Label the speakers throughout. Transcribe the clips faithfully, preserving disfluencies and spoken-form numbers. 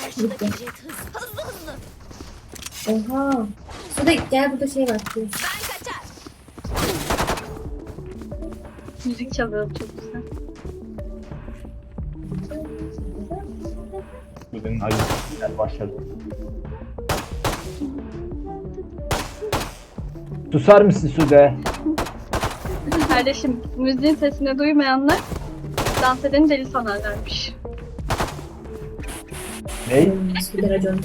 Speaker 1: Karşıdaki jet hız. Hızlı hızlı.
Speaker 2: Oha. Suda gel, burada şey var.
Speaker 1: Ben kaçar.
Speaker 3: Müzik çalıyor çok güzel.
Speaker 4: Bugün acı günler başladı. Susar mısın Sude?
Speaker 3: Kardeşim müziğin sesini duymayanlar dans edeni deli sanarlarmış.
Speaker 4: Ne?
Speaker 2: Suda racon.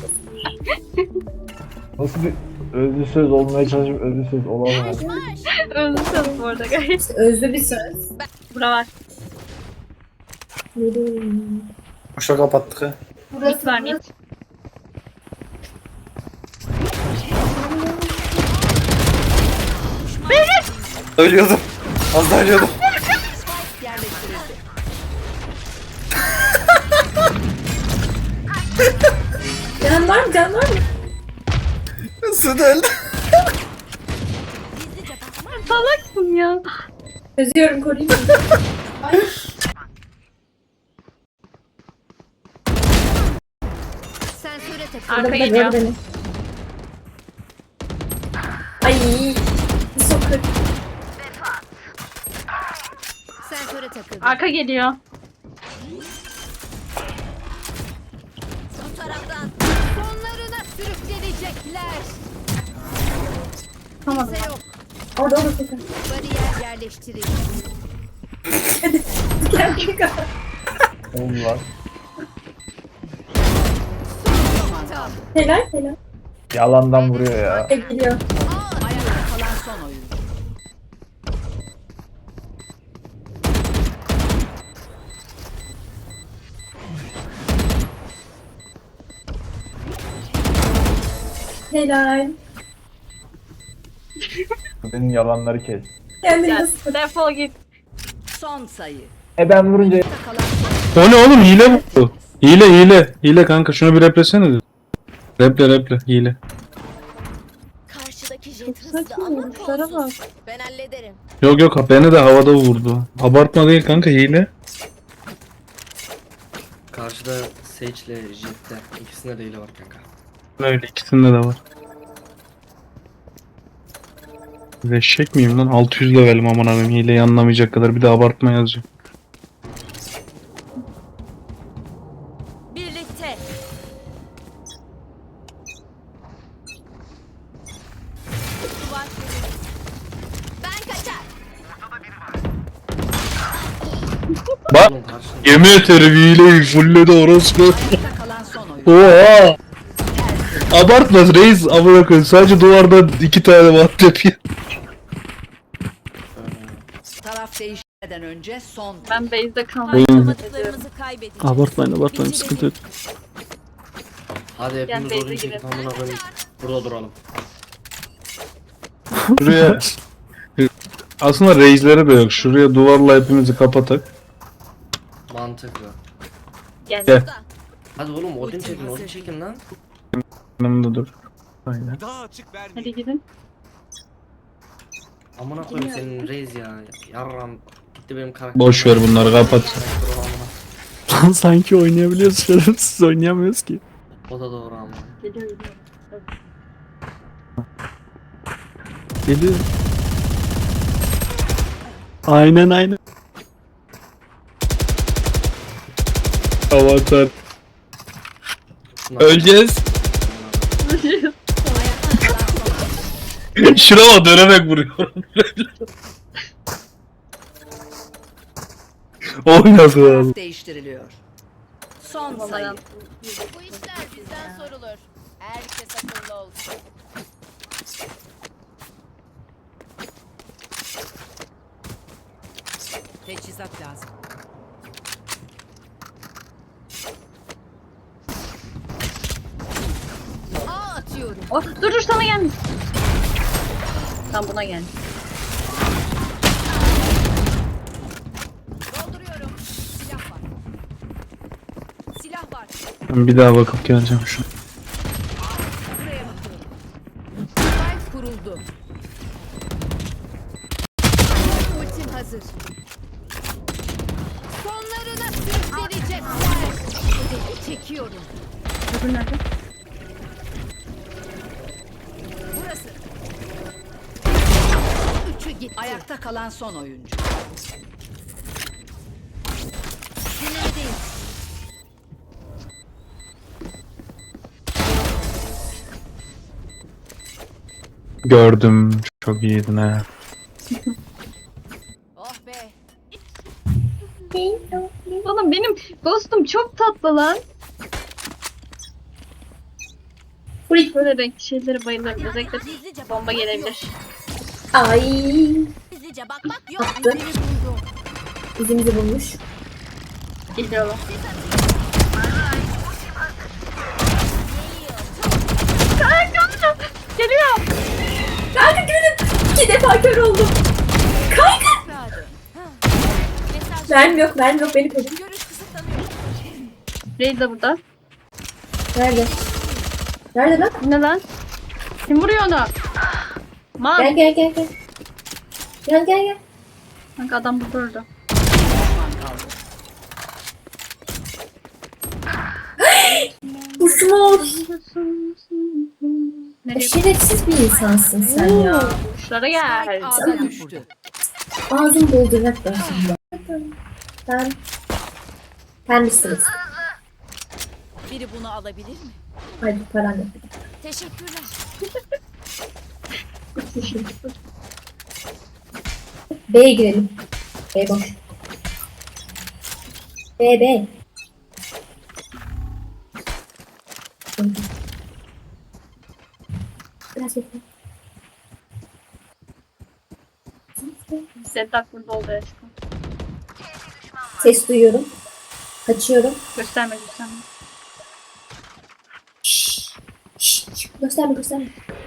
Speaker 4: Nasıl bir özlü söz olmaya çalışıp özlü söz olamaz.
Speaker 1: Marş marş.
Speaker 3: Özlüsünüz bu arada gayet.
Speaker 2: İşte özlü bir söz.
Speaker 3: Bura var.
Speaker 5: Boşa kapattık ha.
Speaker 3: Mit var mit.
Speaker 5: Ölüyordum. Az daha ölüyordum.
Speaker 2: Can var mı? Can var mı?
Speaker 5: Suda öldü.
Speaker 1: Gizlice bakma.
Speaker 3: Salaksın ya.
Speaker 2: Çözüyorum, koruyayım mı?
Speaker 1: Sensöre takıl.
Speaker 3: Arka
Speaker 2: Burada
Speaker 3: geliyor.
Speaker 2: gör beni. Ay. Sokak.
Speaker 1: Sensöre takıl.
Speaker 3: Arka geliyor.
Speaker 1: Bu taraftan. Sonlarına sürüklenecekler.
Speaker 3: Tamam.
Speaker 1: Kimse yok.
Speaker 2: Orada orada sokak.
Speaker 1: Bariyer yerleştirildi.
Speaker 2: Gel gel.
Speaker 4: Oğlum var.
Speaker 1: Tamam.
Speaker 2: Helal helal.
Speaker 4: Yalandan vuruyor ya.
Speaker 2: Gel geliyor.
Speaker 1: Ayakta kalan son oyun.
Speaker 2: Helal.
Speaker 4: Sude'nin yalanları kes.
Speaker 2: Kendini
Speaker 3: Gel.
Speaker 2: nasıl?
Speaker 3: Defol git.
Speaker 1: Son sayı.
Speaker 4: E ben vurunca
Speaker 1: Kalan son.
Speaker 6: O ne oğlum, hile bu. Hile hile. Hile kanka, şunu bir replesene. Reple reple hile.
Speaker 1: Karşıdaki jet hızlı
Speaker 3: Saçma
Speaker 1: ama
Speaker 3: vuruşlara bak.
Speaker 1: kolsuz. Ben hallederim.
Speaker 6: Yok yok, beni de havada vurdu. Abartma değil kanka, hile.
Speaker 7: Karşıda Sage ile Jet'te ikisinde de hile var kanka.
Speaker 6: Öyle ikisinde de var. Eşek miyim lan? altı yüz levelim aman abim, hileyi anlamayacak kadar, bir de abartma yazıyor.
Speaker 1: Birlikte. Duvar kırıldı. Ben kaçar.
Speaker 6: Bak,
Speaker 7: Oğlum karşında
Speaker 6: yemin ederim hileyi fulledi orospu.
Speaker 1: Ayakta kalan son oyun.
Speaker 6: Oha! Abartma reis, amına koyayım, sadece duvarda iki tane vat yapıyor.
Speaker 8: Taraf değişmeden önce son.
Speaker 3: Ben base'de kalmayı
Speaker 1: Harcamadıklarımızı kaybedeceğiz.
Speaker 6: Abartmayın abartmayın, sıkıntı yok.
Speaker 7: hadi hepimiz
Speaker 3: Gel,
Speaker 7: odun
Speaker 3: base'e
Speaker 7: çekip
Speaker 3: girelim.
Speaker 7: amına koyayım. Burada duralım.
Speaker 6: Şuraya aslında reisleri de yok. Şuraya duvarla hepimizi kapatak.
Speaker 7: Mantıklı.
Speaker 3: Gel.
Speaker 6: Gel.
Speaker 7: Hadi oğlum odun çekin, odun çekin lan.
Speaker 6: Yanımda dur. Aynen.
Speaker 3: Hadi gidin.
Speaker 7: Amına koyayım senin reis ya. Yarram gitti benim karakter.
Speaker 6: Boş ver bunları, kapat.
Speaker 7: Amına.
Speaker 6: Lan sanki oynayabiliyoruz canım, siz oynayamıyoruz ki.
Speaker 7: O da doğru ama.
Speaker 3: Geliyor geliyor.
Speaker 6: Geliyor. Aynen aynen. Avatar. Öleceğiz. Şuna bak, dönerek vuruyorum. Oynadı abi.
Speaker 8: Taraf değiştiriliyor. Son sayı.
Speaker 3: Vallahi
Speaker 1: Bu işler bizden sorulur. Herkes akıllı olsun.
Speaker 8: Teçhizat lazım.
Speaker 1: Aa atıyorum.
Speaker 3: Oh, dur dur, sana gelmiş. Tam buna gel.
Speaker 1: Dolduruyorum. Silah var. Silah var.
Speaker 6: Ben bir daha bakıp geleceğim şu an.
Speaker 1: Buraya bakıyorum. Spike kuruldu. Ultim hazır. Sonlarına sürükleyecekler. Hedefi çekiyorum.
Speaker 3: Öbür nerede?
Speaker 1: Burası. Üçü gitti.
Speaker 8: Ayakta kalan son oyuncu.
Speaker 1: Dinlemedeyim.
Speaker 6: Gördüm. Çok iyiydin ha.
Speaker 1: Oh be.
Speaker 3: Oğlum benim ghostum çok tatlı lan.
Speaker 2: Freak.
Speaker 3: Böyle renkli şeylere bayılırım. Özellikle
Speaker 1: Gizlice
Speaker 3: bomba
Speaker 1: bakmak
Speaker 3: gelebilir.
Speaker 2: Ay.
Speaker 1: yok. Gizlice bakmak yok.
Speaker 2: Attı.
Speaker 1: İzini buldu.
Speaker 2: İzimizi bulmuş.
Speaker 3: Geliyorlar. Geliyor.
Speaker 2: Kanka görün. İki defa kör oldum. Kanka.
Speaker 1: Rahat. Mesaj.
Speaker 2: Mermi yok, mermi yok. Beni koru.
Speaker 1: Görüş kısıtlanıyor.
Speaker 3: Reis de burada.
Speaker 2: Nerede? Nerede lan?
Speaker 3: Ne lan? Kim vuruyor onu? Man.
Speaker 2: Gel gel gel gel. Gel gel gel.
Speaker 3: Kanka adam burada öldü.
Speaker 2: Kuşmur.
Speaker 3: Nereye?
Speaker 2: Şerefsiz bir insansın sen ya.
Speaker 3: Kuşlara gel.
Speaker 8: Ağda düştü.
Speaker 2: Ağzım doldurmak ben şimdi. Ben... Sen misiniz?
Speaker 1: Biri bunu alabilir mi?
Speaker 2: Hadi paran yok.
Speaker 1: Teşekkürler.
Speaker 2: B'ye girelim. B boş. B B. Biraz bekle.
Speaker 3: Zeddak burada oldu aşkım.
Speaker 2: Ses duyuyorum. Kaçıyorum.
Speaker 3: Gösterme gösterme.
Speaker 2: Şşş. Şşş. Gösterme gösterme.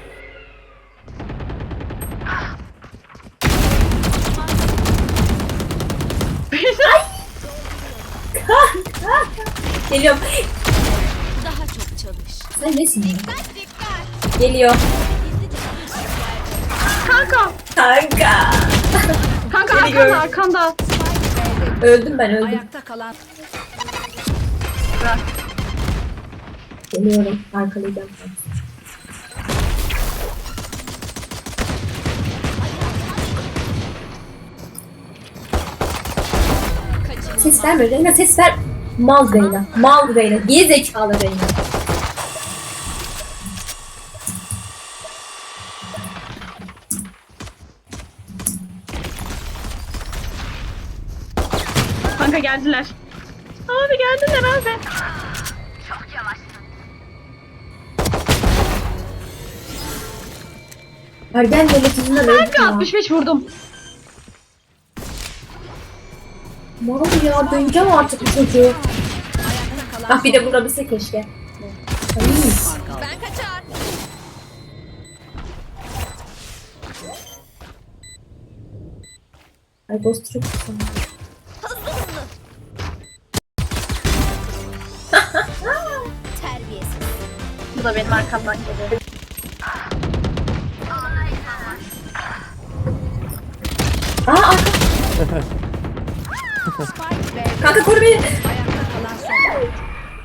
Speaker 2: Geliyorum.
Speaker 1: Daha çok çalış.
Speaker 2: Sen nesin ya?
Speaker 1: Dikkat dikkat.
Speaker 2: Geliyor.
Speaker 1: Gizlice
Speaker 3: Kanka.
Speaker 2: Kanka.
Speaker 3: Kanka
Speaker 2: Geliyorum.
Speaker 3: arkanda arkanda.
Speaker 2: Öldüm ben öldüm.
Speaker 8: Ayakta kalan
Speaker 3: Bırak.
Speaker 2: Geliyorum. Arkalayacağım. Ses verme Reyna, ses ver. Mal Reyna. Mal Reyna. Geri zekalı Reyna.
Speaker 3: Kanka geldiler. Abi geldiler abi.
Speaker 2: Ergen devlet yüzünden öldüm
Speaker 3: Kanka
Speaker 2: ya.
Speaker 3: altmış beş vurdum.
Speaker 2: Mal ya, döneceğim artık bu çocuğu. Ah bir de vurabilse keşke. Ay.
Speaker 1: ben kaçar.
Speaker 2: Ay Ghost çok güzel.
Speaker 1: Hızlı hızlı. Terbiyesiz.
Speaker 3: Bu da benim arkamdan geliyor.
Speaker 2: Aa arka.
Speaker 1: Spike B'de.
Speaker 2: Kanka koru beni.
Speaker 8: ayakta kalan son oyuncu.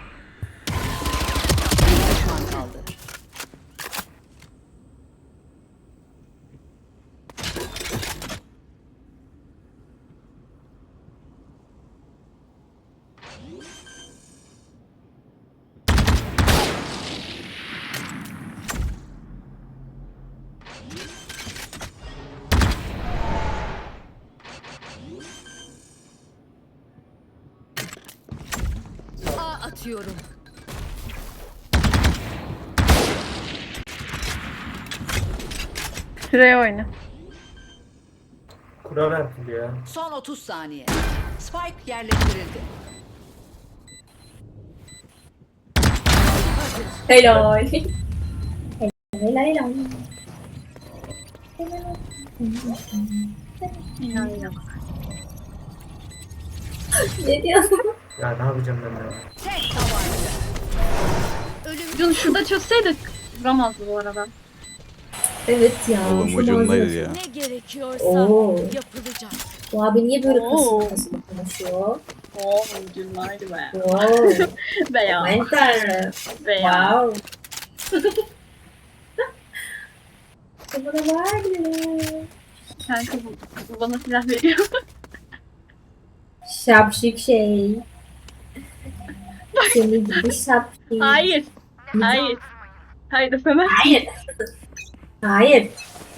Speaker 8: Bir düşman kaldı.
Speaker 1: A atıyorum.
Speaker 3: Şuraya oyna.
Speaker 5: Kura verdim ya.
Speaker 8: Son otuz saniye. Spike yerleştirildi.
Speaker 2: Helal. Helal helal.
Speaker 3: İnan inan.
Speaker 2: Ne diyorsun?
Speaker 5: Ya ne yapacağım ben ya?
Speaker 8: Tek tabanca.
Speaker 3: Bunu şurada çözseydik vuramazdı bu arada.
Speaker 2: Evet ya.
Speaker 9: Oğlum
Speaker 2: şu
Speaker 9: ucundaydı
Speaker 2: malzeme-
Speaker 9: ya.
Speaker 1: Ne gerekiyorsa
Speaker 2: Oo.
Speaker 1: yapılacak.
Speaker 2: Bu abi niye böyle
Speaker 3: Oo.
Speaker 2: kasıp kasıp konuşuyor?
Speaker 3: Oo, ucunlaydı be.
Speaker 2: Wow.
Speaker 3: Be ya.
Speaker 2: Aman tanrım.
Speaker 3: Be ya.
Speaker 2: Wow. Bana var ya.
Speaker 3: Kanka bu, bu bana silah veriyor.
Speaker 2: Şapşik şey. Seni gibi şapşik.
Speaker 3: Hayır. Hayır. Hayır efendim.
Speaker 2: Hayır. Hayır.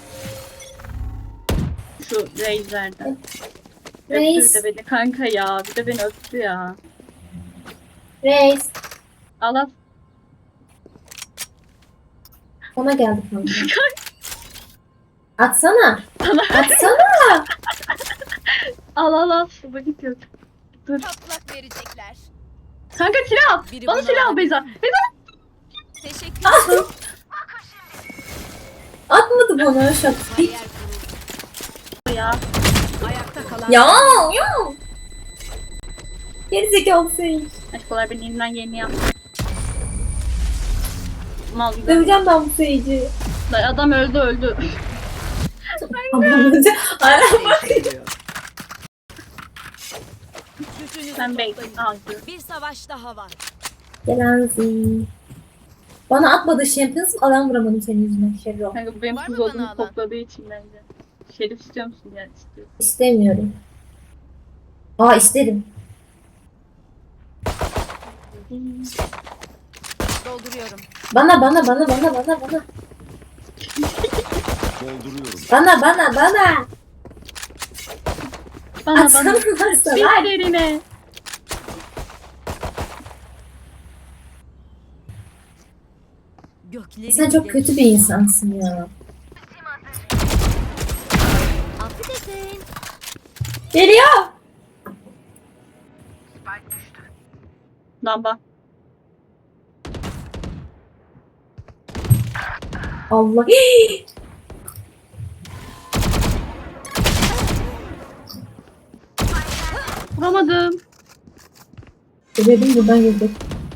Speaker 3: Şu Reis'lerden.
Speaker 2: Reis.
Speaker 3: Öptü de beni kanka ya. Bir de beni öptü ya.
Speaker 2: Reis.
Speaker 3: Al al.
Speaker 2: Ona geldi kanka. Atsana. Atsana.
Speaker 3: Al al al. Bu gidiyor. Dur.
Speaker 1: Patlak verecekler.
Speaker 3: Kanka silah al.
Speaker 1: Biri
Speaker 3: Bana
Speaker 1: bunu
Speaker 3: silah al
Speaker 1: aldı.
Speaker 3: Beyza. Beyza.
Speaker 1: Teşekkür
Speaker 2: Ah!
Speaker 1: ederim.
Speaker 2: Atmadı bana şapşik.
Speaker 1: Bariyer kuruldu.
Speaker 3: Ya.
Speaker 8: Ayakta kalan
Speaker 2: Ya ya. Gerizekalı şey.
Speaker 3: Aşkolar beni elimden geleni yap. Mal gibi.
Speaker 2: Döveceğim ben bu seyirci.
Speaker 3: Adam öldü öldü.
Speaker 2: Allah'ım. Aynen bak.
Speaker 7: Geliyor.
Speaker 1: Gücünüzü
Speaker 3: Ben
Speaker 1: toplayın.
Speaker 3: bekledim. Aldı.
Speaker 1: Bir savaş daha var.
Speaker 2: Gelen zi. Bana atmadı Champions adam vuramadım senin yüzünden Şerro.
Speaker 3: Kanka bu benim
Speaker 1: Var
Speaker 3: kız
Speaker 1: mı bana
Speaker 3: olduğumu
Speaker 1: alan?
Speaker 3: kokladığı için bence. Şerif istiyor musun? Yani istiyorum.
Speaker 2: İstemiyorum. Aa isterim.
Speaker 1: Dolduruyorum.
Speaker 2: Bana bana bana bana bana bana. Bana bana bana.
Speaker 3: Bana
Speaker 2: Atsana
Speaker 3: bana.
Speaker 2: varsa
Speaker 3: Bir
Speaker 2: ver.
Speaker 3: derine.
Speaker 1: Gökleri
Speaker 2: Sen çok kötü bir insansın ya.
Speaker 1: Affedersin.
Speaker 2: Geliyor.
Speaker 3: Lamba.
Speaker 2: Allah.
Speaker 3: Vuramadım.
Speaker 2: Dedim buradan girdik.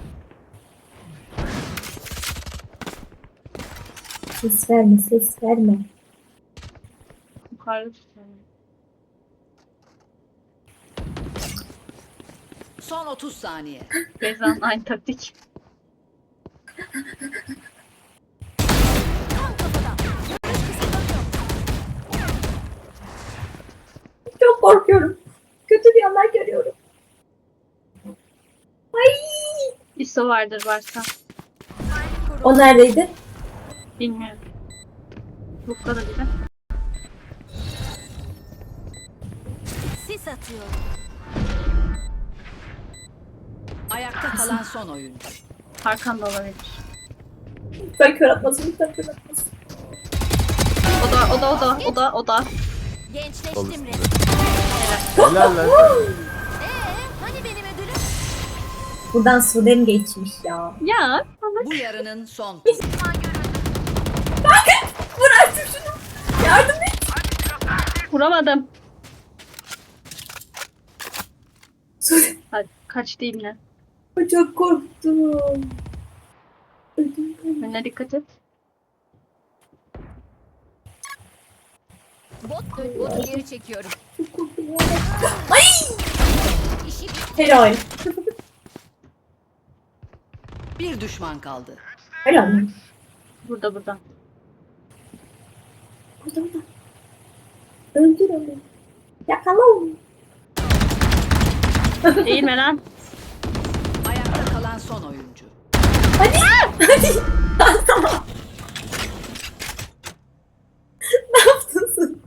Speaker 2: Ses verme ses verme.
Speaker 3: Yukarıda tutuyorum.
Speaker 8: son otuz saniye.
Speaker 3: Beyza'nın aynı taktik.
Speaker 2: Çok korkuyorum. Kötü bir yanlar görüyorum. Ay.
Speaker 3: İso vardır varsa.
Speaker 2: O neredeydi?
Speaker 3: Bilmiyorum. Lukta da bir de.
Speaker 1: Sis atıyor.
Speaker 8: Ayakta kalan son oyuncu.
Speaker 3: Hakan da olabilir.
Speaker 2: Lütfen kör atmasın lütfen kör atmasın.
Speaker 3: O da o da o da o da o da.
Speaker 1: Gençleştim resmen.
Speaker 4: Helal lan.
Speaker 1: Ee, hani benim ödülüm?
Speaker 2: Buradan Sudan geçmiş ya.
Speaker 3: Ya.
Speaker 8: Bu yarının son turu.
Speaker 2: Vur artık şunu. Yardım et.
Speaker 3: Vuramadım.
Speaker 2: Sudan.
Speaker 3: Hadi kaç değil ne?
Speaker 2: Çok korktum. Ödüm kaldı.
Speaker 3: Önüne dikkat et.
Speaker 1: Bot dön. Botu geri çekiyorum.
Speaker 2: Çok korktum. Ay.
Speaker 1: İşi bitti.
Speaker 2: Helal.
Speaker 8: Bir düşman kaldı.
Speaker 2: Helal.
Speaker 3: Burada burada.
Speaker 2: Burada burada. Öldür onu. Yakala onu.
Speaker 3: Değil mi lan?
Speaker 8: Ayakta kalan son oyuncu.
Speaker 2: Hadi. Hadi. Tamam. Ne yaptın sen?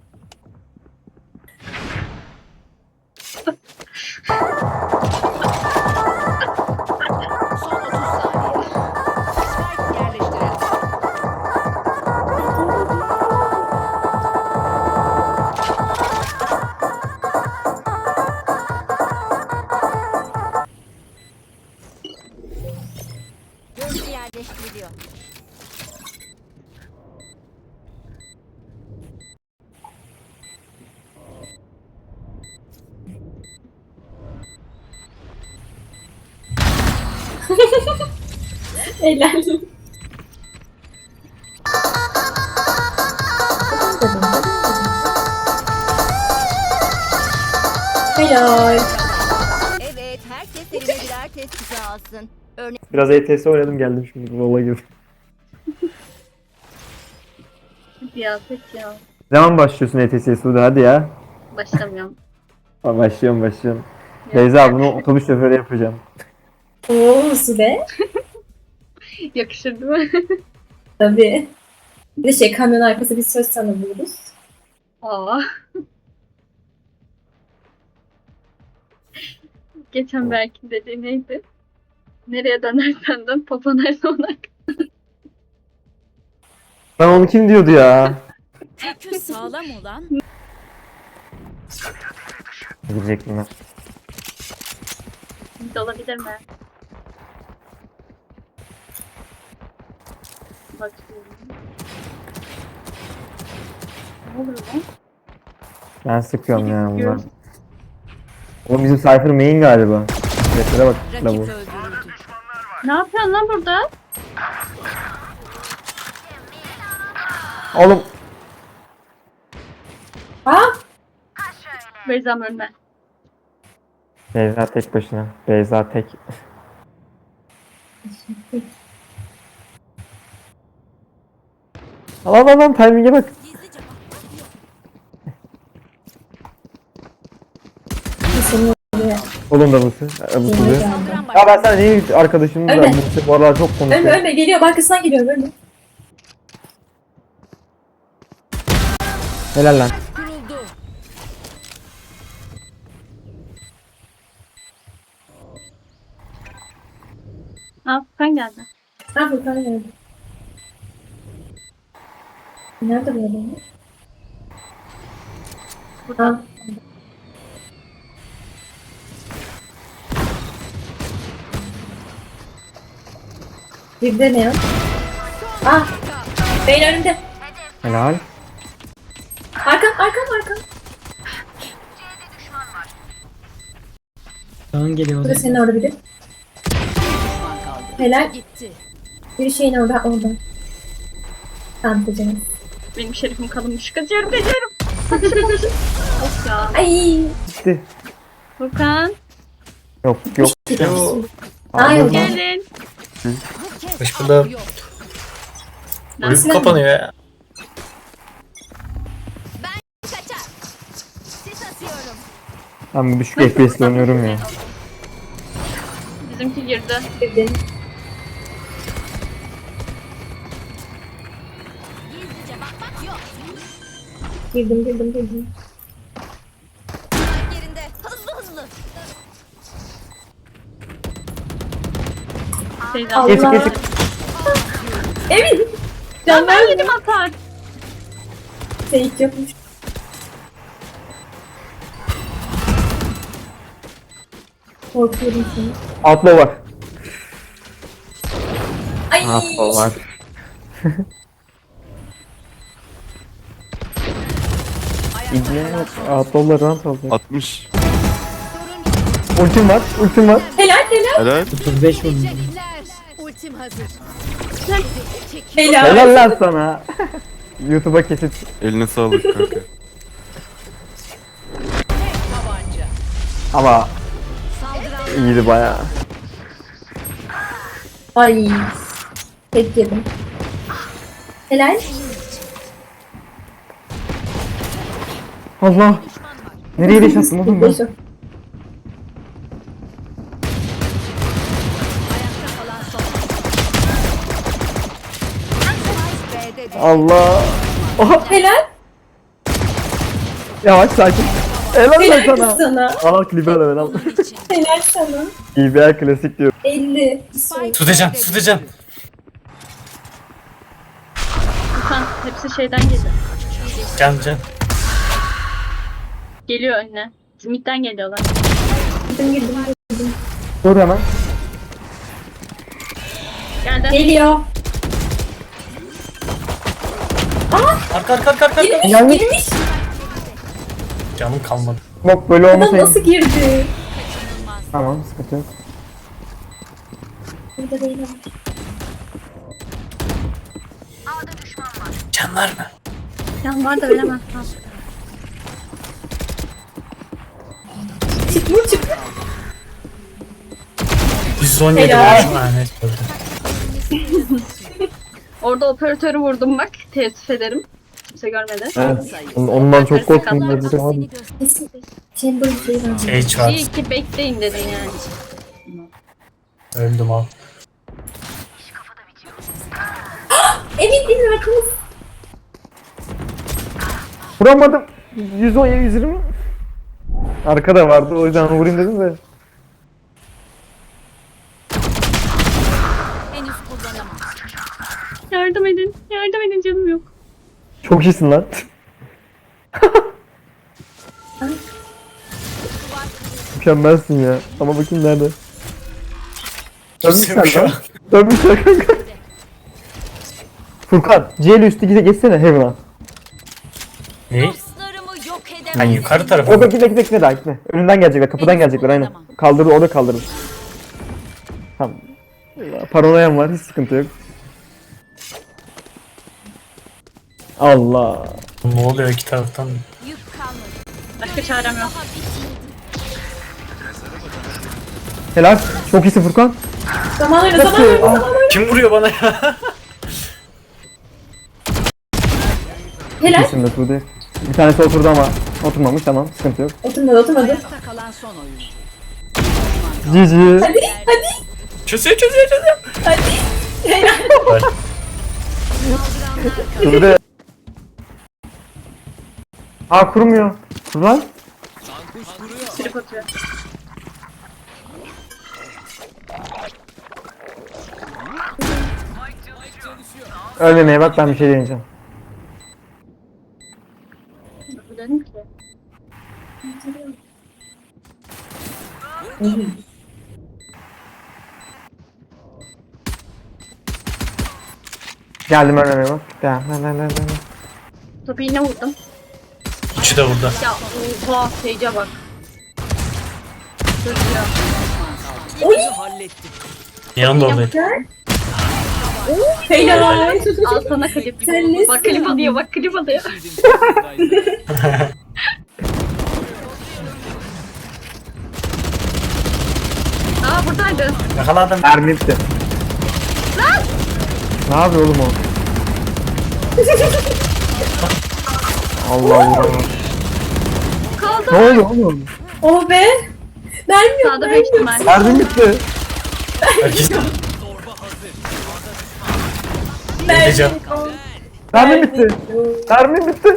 Speaker 8: Son otuz saniye. Spike yerleştirildi.
Speaker 1: Gözcü yerleştiriliyor.
Speaker 2: Helal. Helal.
Speaker 1: Evet.
Speaker 9: Biraz E T S oynadım geldim şimdi bu olay gibi.
Speaker 3: Hadi ya pek ya.
Speaker 9: Ne zaman başlıyorsun E T S'ye Sude hadi ya.
Speaker 3: Başlamıyorum.
Speaker 9: Ha, başlıyorum başlıyorum. Beyza bunu otobüs şoförü yapacağım.
Speaker 2: Oo Sude.
Speaker 3: Yakışır değil mi?
Speaker 2: Tabii. Bir de şey kamyon arkası bir söz tanımlıyoruz.
Speaker 3: Aa. Geçen belki dediği neydi? Nereye dönersen dön, papa nerede ona.
Speaker 9: Lan onu kim diyordu ya?
Speaker 1: Kökü sağlam olan
Speaker 9: Gidecek bunlar.
Speaker 3: Bir de olabilir mi? Bakıyorum. Ne olur lan?
Speaker 9: Ben sıkıyorum ya bunlar. Oğlum bizim Cypher main galiba. Seslere bak la
Speaker 1: rakip
Speaker 9: bu.
Speaker 1: öldürüldü.
Speaker 3: Ne yapıyorsun lan burada?
Speaker 9: Oğlum
Speaker 2: Ha?
Speaker 3: Beyza'm önüne.
Speaker 9: Beyza tek başına. Beyza tek. Lan lan lan timing'e bak.
Speaker 2: Kesin oluyor.
Speaker 9: Oğlum da Buse. E, Buse diyor.
Speaker 1: Saldıran
Speaker 9: Ya ben
Speaker 1: başladı.
Speaker 9: sana niye arkadaşım da
Speaker 2: Öyle.
Speaker 9: Buse bu aralar çok
Speaker 2: Ölme
Speaker 9: konuşuyor.
Speaker 2: ölme geliyor. Arkasından geliyor ölme.
Speaker 9: Helal lan.
Speaker 1: Kuruldu.
Speaker 3: Aa Furkan geldi.
Speaker 2: Ha Furkan geldi. Nerede bu adam? Ha. Bir de ne ya? Ah! Beyin önünde.
Speaker 9: Helal.
Speaker 2: Arkam arkam arkam. Bu da senin orada biri.
Speaker 8: Düşman kaldı.
Speaker 2: Helal.
Speaker 1: Gitti.
Speaker 2: Bir şeyin orada orada. Tamam kocamız.
Speaker 3: Benim şerifim kalınmış. Kaçıyorum kaçıyorum. Of ya.
Speaker 2: Ay.
Speaker 9: Gitti.
Speaker 3: Furkan.
Speaker 9: Yok yok.
Speaker 2: Ay yok.
Speaker 3: Gelin.
Speaker 1: Bu kez
Speaker 5: Hoş bulduk.
Speaker 1: av yok.
Speaker 5: Ölüp kapanıyor ya.
Speaker 1: Kaçar. Sis asıyorum.
Speaker 9: Ben düşük F P S'le oynuyorum ya.
Speaker 3: Bizimki girdi.
Speaker 2: Girdim.
Speaker 1: Gizlice bakmak yok.
Speaker 2: Girdim girdim girdim.
Speaker 1: Bak yerinde. Hızlı hızlı.
Speaker 3: Beyza.
Speaker 2: Allah.
Speaker 9: Geçik geçik.
Speaker 2: Evet.
Speaker 3: Ya
Speaker 2: Can
Speaker 3: ben yedim atar.
Speaker 2: Seyit yokmuş. Korkuyorum seni.
Speaker 9: Outlaw var.
Speaker 2: Ay.
Speaker 9: Outlaw var. İbne Outlaw'la rant alacak.
Speaker 10: altmış.
Speaker 9: Ultim var. Ultim var.
Speaker 2: Helal helal
Speaker 10: Helal.
Speaker 1: Teşekkürler. Ultim hazır.
Speaker 2: helal.
Speaker 9: Helal lan sana. YouTube'a kesit.
Speaker 10: Eline sağlık kanka.
Speaker 8: Tek tabanca.
Speaker 9: Ama
Speaker 8: Saldıran
Speaker 9: iyiydi bayağı.
Speaker 2: Ay. Tek yedim. Helal.
Speaker 9: Allah. Nereye deş attın oğlum ben?
Speaker 2: Beş o.
Speaker 8: ayakta kalan son. B'de düştü.
Speaker 9: Allah. Oha.
Speaker 2: Helal.
Speaker 9: Yavaş sakin. Helal lan
Speaker 2: Helal kız
Speaker 9: sana.
Speaker 2: sana.
Speaker 9: Al klibi al al.
Speaker 2: Helal sana.
Speaker 9: B B R klasik diyor.
Speaker 2: elli.
Speaker 5: Tutacağım tutacağım.
Speaker 3: Furkan hepsi şeyden geliyor.
Speaker 5: Can can.
Speaker 3: Geliyor önüne. Smith'ten geliyorlar.
Speaker 2: Girdim girdim.
Speaker 9: Dur hemen.
Speaker 3: Geldi.
Speaker 2: Geliyor.
Speaker 5: Arka arka arka arka.
Speaker 2: Girmiş
Speaker 9: Gelmiş.
Speaker 2: girmiş.
Speaker 5: Canım kalmadı.
Speaker 9: Bak böyle
Speaker 2: Adam
Speaker 9: olmasaydı.
Speaker 2: nasıl girdi?
Speaker 9: Tamam sıkıntı yok.
Speaker 2: Burada değil ama.
Speaker 5: Can var mı?
Speaker 3: Can var da ölemez. Tamam.
Speaker 2: Çık vur çık.
Speaker 5: yüz yüz on yedi
Speaker 2: Helal.
Speaker 5: vurmuşum. Ha, neyse, öldüm.
Speaker 3: Orada operatörü vurdum bak. Teessüf ederim. Kimse görmedi.
Speaker 9: Evet. Ondan çok korktum. Ben de abi.
Speaker 2: Kesin. Chamber değil abi.
Speaker 5: Sage var.
Speaker 3: İyi ki bekleyin dedin yani.
Speaker 5: Öldüm al.
Speaker 2: Emin değilim arkamız.
Speaker 9: Vuramadım. yüz on yüz yirmi. Arkada vardı o yüzden vurayım dedim de.
Speaker 1: Henüz kullanamam.
Speaker 3: Yardım edin. Yardım edin canım yok.
Speaker 9: Çok iyisin lan. Mükemmelsin ya. Ama bakayım nerede? Dönmüşler
Speaker 5: Kimse yok
Speaker 9: lan.
Speaker 5: ya.
Speaker 9: Dönmüşler kanka. Furkan, C ile üstü gide geçsene Heaven'a.
Speaker 5: Ne?
Speaker 1: Dostlarımı yok edemem.
Speaker 5: Ben yukarı tarafa.
Speaker 9: O da gitme gitme gitme daha gitme. Önünden gelecekler, kapıdan gelecekler aynen. Kaldırır, o da kaldırır. Tamam. Ya, paranoyam var, hiç sıkıntı yok. Allah.
Speaker 5: Ne oluyor iki taraftan?
Speaker 1: Yük kalmadı.
Speaker 3: Başka çarem yok.
Speaker 1: Daha bitmedi.
Speaker 9: Helal. Çok iyisin Furkan.
Speaker 2: Zaman öyle zaman öyle zaman öyle.
Speaker 5: Kim vuruyor bana ya?
Speaker 2: Helal.
Speaker 9: İyisin de Suudi. Bir tanesi oturdu ama oturmamış, tamam, sıkıntı yok.
Speaker 2: Oturmadı oturmadı.
Speaker 8: Ayakta kalan son oyuncu.
Speaker 9: G G.
Speaker 2: Hadi hadi
Speaker 5: Çözüyor çözüyor çözüyor.
Speaker 2: hadi. Helal.
Speaker 5: Bak,
Speaker 9: Suudi. Aa kurmuyor. Kur lan.
Speaker 3: Trip atıyor.
Speaker 9: Ölmemeye bak, ben bir şey deneyeceğim.
Speaker 3: Dedim ki.
Speaker 9: Geldim ölmemeye bak. Gel gel gel gel. gel.
Speaker 3: Topu yine vurdum.
Speaker 5: üçü de burada.
Speaker 3: Ya oha Sage'e bak. Dur ya.
Speaker 5: Yanımda oradayım.
Speaker 2: Helal.
Speaker 3: Al sana klip.
Speaker 2: Sen nesin?
Speaker 3: Bak klip alıyor bak klip alıyor. Aa buradaydı.
Speaker 5: Yakaladım.
Speaker 9: Mermi bitti. Ne yapıyor oğlum o? Allah Allah.
Speaker 3: Kaldı.
Speaker 9: Ne oluyor oğlum?
Speaker 2: Oh be. Mermi yok.
Speaker 3: Sağda beş ihtimal.
Speaker 9: Mermi bitti.
Speaker 5: Herkes Gideceğim.
Speaker 9: Mermi bitti. Mermi bitti.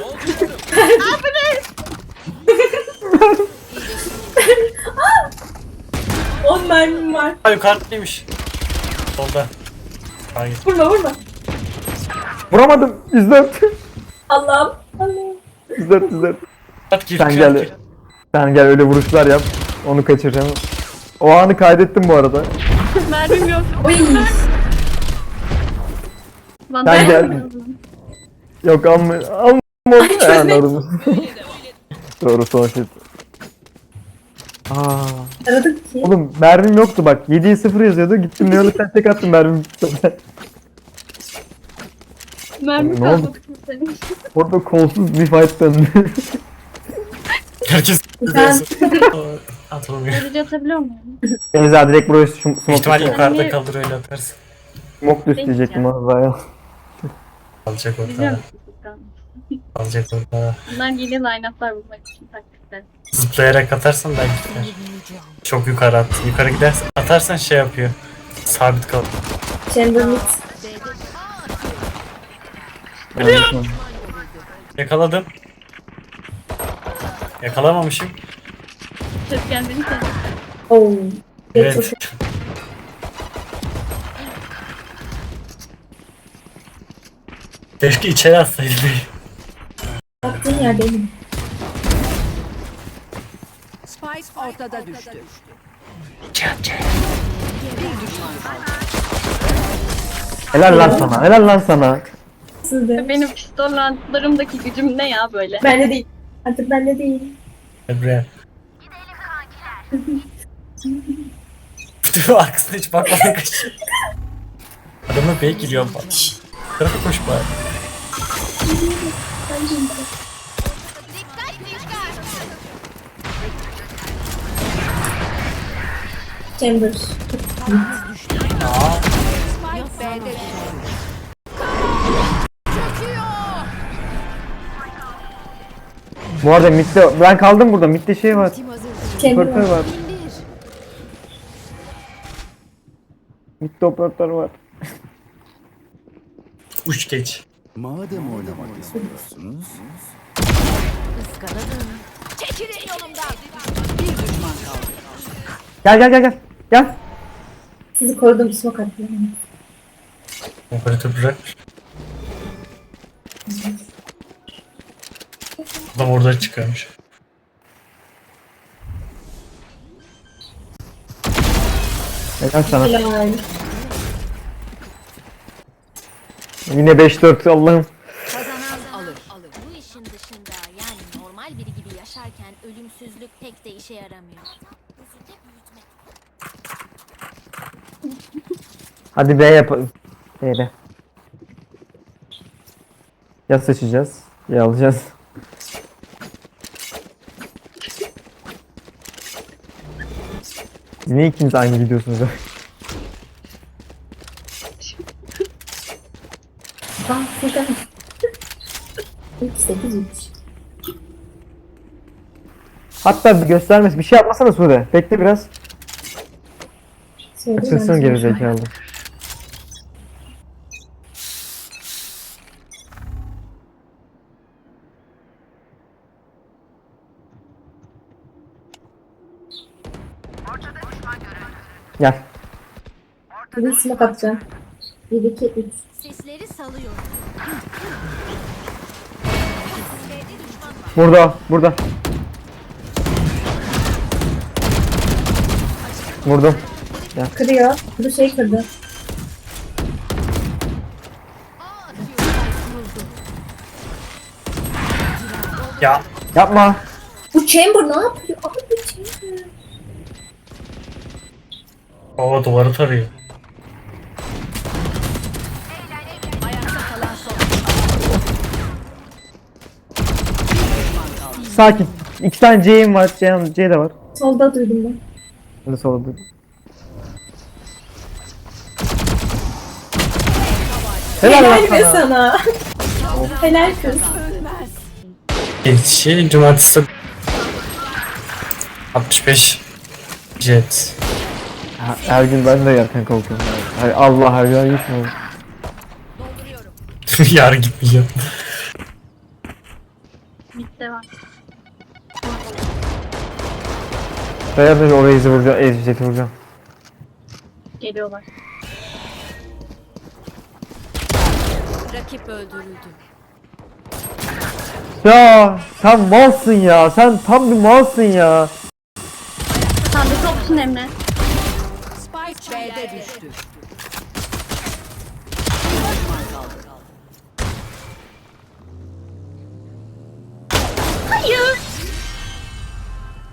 Speaker 2: On mermim var.
Speaker 5: Ha yukarıdaymış. Solda. Hayır.
Speaker 2: Vurma vurma.
Speaker 9: Vuramadım. yüz dört.
Speaker 2: Allah'ım. Allah'ım.
Speaker 9: yüz dört yüz dört.
Speaker 5: At gir
Speaker 9: Sen
Speaker 5: gir,
Speaker 9: gel.
Speaker 5: gir.
Speaker 9: Sen gel öyle vuruşlar yap. Onu kaçıracağım. O anı kaydettim bu arada.
Speaker 3: Mermim yok.
Speaker 2: Oy.
Speaker 3: Bana
Speaker 9: Sen gel. Yok alma. Alma oldu ya. Anladım. Doğru son şey. Aa.
Speaker 2: Aradık ki.
Speaker 9: Oğlum mermim yoktu bak. yediye sıfır yazıyordu. Gittim ne sen tek attım mermim.
Speaker 3: Mermi
Speaker 9: Ne oldu?
Speaker 3: kalmadı senin.
Speaker 9: Orada kolsuz bir fight döndü.
Speaker 5: Herkes
Speaker 2: Ben-
Speaker 5: atılmıyor.
Speaker 3: Derece atabiliyor muyum?
Speaker 9: Beyza direkt buraya şu smoke
Speaker 5: İhtimal
Speaker 9: düştü.
Speaker 5: yukarıda kalır öyle atarsın.
Speaker 9: Smoke düştü diyecektim az ya.
Speaker 5: Alacak
Speaker 3: Biliyor
Speaker 5: orada.
Speaker 3: musun Furkan?
Speaker 5: Alacak orada.
Speaker 3: Bunlar yeni line-up'lar bulmak için taktikler.
Speaker 5: Zıplayarak atarsan belki gider. Çok yukarı at. Yukarı gidersen atarsan şey yapıyor. Sabit kal.
Speaker 2: Chamber mid.
Speaker 5: Yakaladım. Yakalamamışım.
Speaker 3: Ses kendini sen.
Speaker 2: Oh.
Speaker 5: Evet. Keşke içeri atsaydı.
Speaker 2: Baktığın yer benim.
Speaker 8: Spike ortada düştü.
Speaker 9: Helal lan sana. Helal lan sana.
Speaker 2: Sizde.
Speaker 3: Benim pistollarımdaki gücüm ne ya böyle?
Speaker 2: Bende değil. Artık bende değil.
Speaker 5: Emre. Dur aksine hiç bakmadan kaçıyor. Adamı bey giriyor bak. Tarafa koş bari.
Speaker 2: Chamber.
Speaker 8: Spike B'de düştü.
Speaker 9: Bu arada midde ben kaldım burada. Midde şey var.
Speaker 2: Kendi
Speaker 9: Operatör
Speaker 2: var.
Speaker 9: var. Midde operatör var.
Speaker 5: Uç geç.
Speaker 10: Madem oynamak istiyorsunuz,
Speaker 1: Çekilin yolumdan.
Speaker 8: Bir düşman kaldı.
Speaker 9: Gel gel gel gel. Gel.
Speaker 2: Sizi korudum smoke attım.
Speaker 5: Operatör bırak. Adam orada çıkarmış.
Speaker 9: Helal sana.
Speaker 2: Helal.
Speaker 9: Yine beş dört Allah'ım.
Speaker 8: Kazanan alır.
Speaker 1: Bu işin dışında yani normal biri gibi yaşarken ölümsüzlük pek de işe yaramıyor. Gözünde büyütmek.
Speaker 9: Hadi B yapalım. B'de. Ya seçeceğiz ya alacağız. Siz niye ikiniz aynı gidiyorsunuz ya?
Speaker 2: Ah Furkan. üç sekiz üç.
Speaker 9: Hatta bir göstermesi bir şey yapmasana Sude. Bekle biraz.
Speaker 2: Söyleyeyim
Speaker 9: Açılsın
Speaker 2: ben
Speaker 9: geri
Speaker 2: sana.
Speaker 9: zekalı. Gel.
Speaker 2: Bir smoke atacağım. bir iki üç.
Speaker 1: Sesleri salıyorum.
Speaker 9: Burada, burada. Vurdum.
Speaker 2: Kırıyor. Bu şey kırdı.
Speaker 5: Ya
Speaker 9: Yapma.
Speaker 2: Bu chamber ne yapıyor? Abi bu chamber.
Speaker 5: baba duvarı tarıyor.
Speaker 8: Ayakta kalan son.
Speaker 9: Sakin. İki tane C'im var. C, C de var.
Speaker 2: Solda duydum ben.
Speaker 9: Hadi sola dur. Helal lan
Speaker 2: Helal be
Speaker 9: sana.
Speaker 2: sana. Helal kız.
Speaker 5: Geçişi cumartesi altmış beş jet.
Speaker 9: Ha, her gün ben de yerken kalkıyorum. Hay Allah her gün gitmiyorum.
Speaker 5: Yarın gitmeyeceğim.
Speaker 3: Midde var.
Speaker 9: Dayanır orayı izi vuracağım. Eziceti vuracağım.
Speaker 3: Geliyorlar.
Speaker 8: Rakip öldürüldü.
Speaker 9: Ya sen malsın ya. Sen tam bir malsın ya.
Speaker 3: Sen de topsun Emre.
Speaker 8: Spike B'de düştü.